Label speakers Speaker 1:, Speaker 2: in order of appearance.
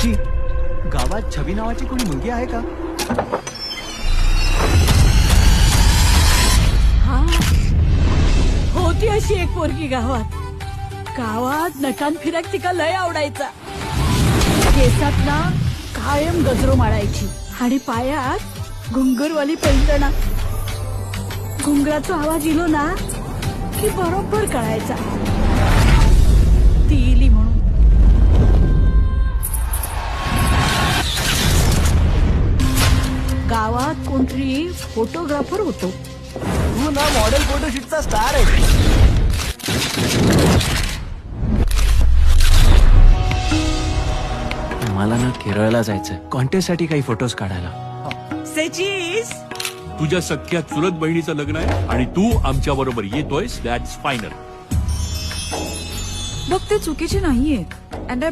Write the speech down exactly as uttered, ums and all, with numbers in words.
Speaker 1: सची, गावात छबी नावाची कोणी मुलगी आहे का?
Speaker 2: हा, होती अशी एक पोरगी गावात. गावात नटान फिराक तिका लय आवडायचा. केसात ना कायम गजरो मारायची आणि पायात घुंगरवाली पैंजणा. घुंगराचा आवाज इलो ना की बरोबर कळायचा ती इली म्हणून. गावात कोणतरी फोटोग्राफर होतो.
Speaker 1: तू ना मॉडेल फोटोशूटचा स्टार आहे. मला ना केरळला जायचंय कॉन्टेस्ट साठी काही फोटोज काढायला.
Speaker 2: सचीस,
Speaker 3: तुझ्या सख्या चुलत बहिणीचं लग्न आहे आणि तू आमच्या बरोबर येतोयस. That's final.
Speaker 4: बघ ते चुकीचे नाहीये. अँड